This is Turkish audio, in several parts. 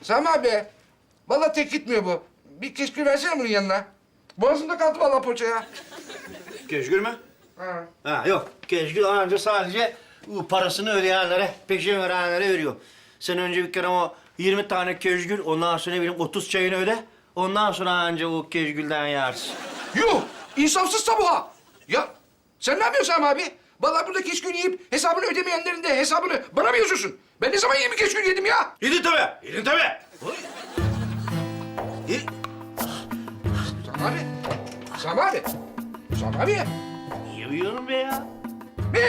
Sami abi. Vallahi tek gitmiyor bu. Bir keşkül versene bunun yanına. Boğazımda kaldı vallahi poğaça ya. Keşkül mü? Ha. Ha yok. Keşkül anca sadece bu parasını ödeyenlere, peşin verenlere veriyor. Sen önce bir kere o 20 tane keşkül, ondan sonra ne bileyim 30 çayını öde. Ondan sonra anca o keşkülden yersin. Yuh! İnsafsız tabuha! Ya sen ne yapıyorsun Sami abi? Vallahi burada keşkül yiyip hesabını ödemeyenlerin de hesabını bana mı yazıyorsun? Ben ne zaman 20 keşkül yedim ya? Yedin tabii, yedin tabii. Sami abi. Sami abi. Sami abi. Niye uyuyorum be ya? Ne?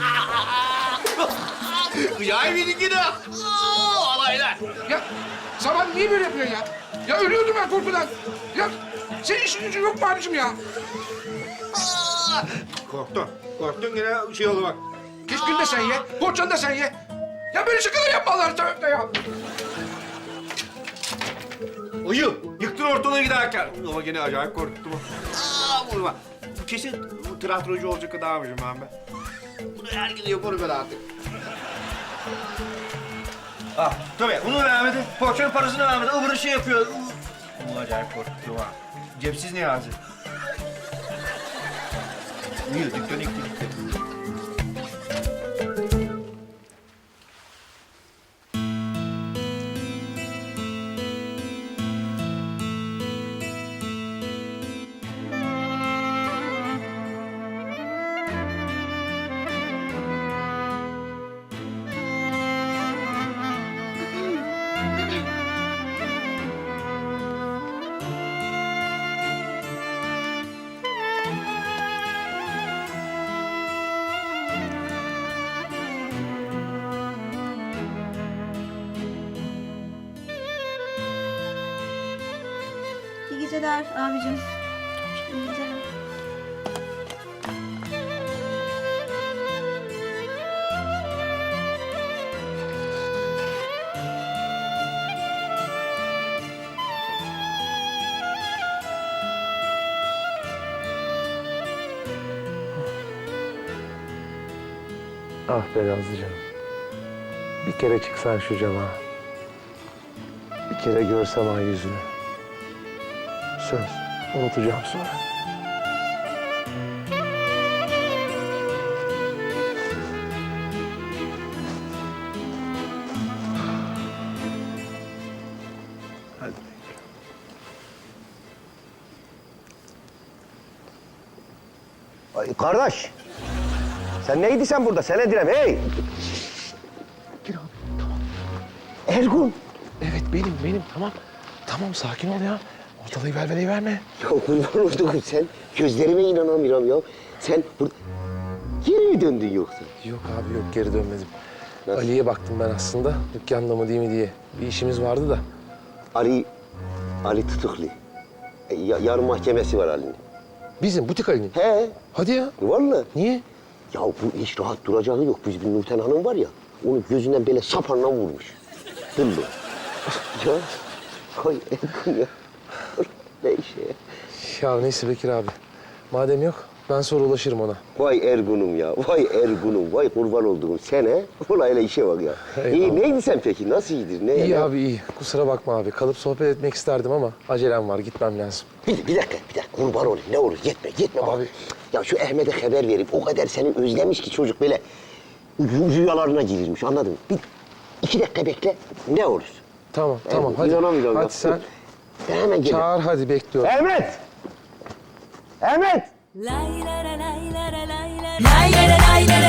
Kıyağı bilin gidi. Alaylar. Ya Sami abi niye böyle yapıyorsun ya? Ya ölüyordum ben korkudan. Ya senin işin gücün yok mu abicim ya? Korktun. Korktun yine şey oldu bak. Keşkül de sen ye, poğaçanı da sen ye. Ya böyle şakalar yapma Allah'ın seversen ya. Uyu. Yıktın ortalığı giderken. Ama yine acayip korkuttu bu. Vurma. Bu kesin bu tiyatrocu olacak adammışım ben. Bunu herkes yapar böyle artık. Ah tabii bunu vermedi. Poğaçanın parasını vermedi. Öbürü şey yapıyor. Bu acayip korkuttu ha. Cepsiz Niyazi. Uyu. Dükkanı yıktı gitti. İyi geceler abicim. İyi geceler. Ah be Nazlıcığım. Bir kere çıksan şu cama. Bir kere görsem ay yüzünü. Söz, unutacağım sonra. Hadi. Ay, kardeş. Sen neydi sen burada? Sen Edirem, hey! Gir abi, tamam. Ergun! Evet benim, tamam. Tamam, sakin ol ya. Ortalığı velveleyi verme. Ya kurban oldum sen. Gözlerime inanamıyorum ya. Sen burada... Geri mi döndün yoksa? Yok abi yok, geri dönmedim. Nasıl? Ali'ye baktım ben aslında. Dükkanda mı değil mi diye. Bir işimiz vardı da. Ali tutuklu. Yarın mahkemesi var Ali'nin. Bizim butik Ali'nin. He, Hadi ya. vallahi. Niye? Ya bu hiç rahat duracağı yok. Bizim Nurten Hanım var ya, onu gözünden böyle sapanla vurmuş. Dıllı. Ya, koy Ergun ya. Ne işe ya? Ya neyse Bekir abi. Madem yok, ben sonra ulaşırım ona. Vay Ergun'um ya, vay Ergun'um, vay kurban olduğum sen he. Olayla işe bak ya. Eyvallah. İyi, neydi sen peki? Nasıl iyidir? Ne? İyi abi iyi. Kusura bakma abi. Kalıp sohbet etmek isterdim ama acelem var. Gitmem lazım. Bir dakika. Kurban olayım. Ne olur yetme bak. Abi. Ya şu Ahmet'e haber verip o kadar seni özlemiş ki çocuk böyle rüyalarına girirmiş, anladın mı? Bir 2 dakika bekle, ne olur? Tamam hadi. İnanamıyorum ya. Hadi sen Ben hemen gelirim. çağır hadi, bekliyorum. Ahmet! Ahmet! Lay la la lay la la lay la lay la la lay